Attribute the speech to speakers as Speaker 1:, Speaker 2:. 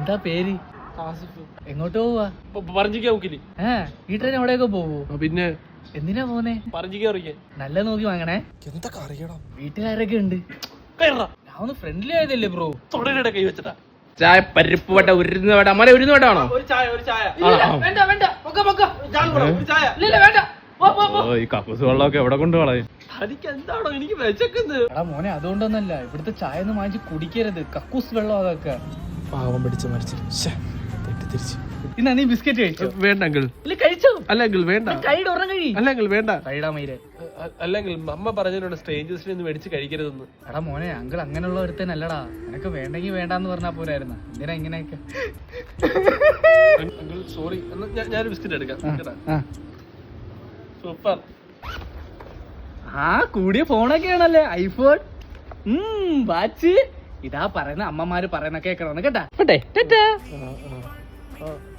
Speaker 1: എന്താ പേര്? എങ്ങോട്ട് പോവാ? ഈ ട്രെയിൻ എവിടെയൊക്കെ പോവോ? പിന്നെ എന്തിനാ പോന്നെ? നല്ല നോക്കി വാങ്ങണേ. എന്തൊക്കെ അറിയണം? വീട്ടുകാരൊക്കെ ഉണ്ട്. ഞാൻ ഒന്ന് ഫ്രണ്ട്ലി ആയതല്ലേ ബ്രോ. കൈ വെച്ചതാ. ചായ പരിപ്പ് വട ഉരുന്ന വട അമ്മ ഉരുന്ന വടാണോ? ഈ കക്കൂസ് വെള്ളമൊക്കെ എവിടെ കൊണ്ട് കളയും? എന്താണോ എനിക്ക് വിശക്കുന്നത്. എടാ മോനെ അതുകൊണ്ടൊന്നല്ല, ഇവിടുത്തെ ചായ ഒന്നും വാങ്ങിച്ച് കുടിക്കരുത്. കക്കൂസ് വെള്ളം അതൊക്കെ. പാവം പിടിച്ച് മരിച്ചിട്ട് തെറ്റിദ്ധരിച്ചു. ഇന്നാ നീ ബിസ്ക്കറ്റ് കഴിച്ചോ? വേണ്ട അങ്കിൾ. കഴിച്ചോ? അല്ലെങ്കിൽ വേണ്ട. അല്ലെങ്കിൽ വേണ്ട. അല്ലെങ്കിൽ അമ്മ പറഞ്ഞിട്ടുണ്ട് സ്ട്രേഞ്ചേഴ്സിനെ ഒന്നും മേടിച്ച് കഴിക്കരുതെന്ന്. എടാ മോനെ അങ്കിൾ അങ്ങനെയുള്ള ഒരുത്തനല്ലടാ. നിനക്ക് വേണ്ടെങ്കിൽ വേണ്ടാന്ന് പറഞ്ഞാ പോരായിരുന്നു. എന്തിനാ ഇങ്ങനെയൊക്കെ? സോറി, ഞാൻ ബിസ്ക്കറ്റ് എടുക്കാം. സൂപ്പർ. ആ കൂടിയ ഫോണൊക്കെ ആണല്ലേ, ഐഫോൺ, വാച്ച്. ഇതാ പറയുന്ന അമ്മമാര് പറയുന്ന കേക്കണം കേട്ടാ.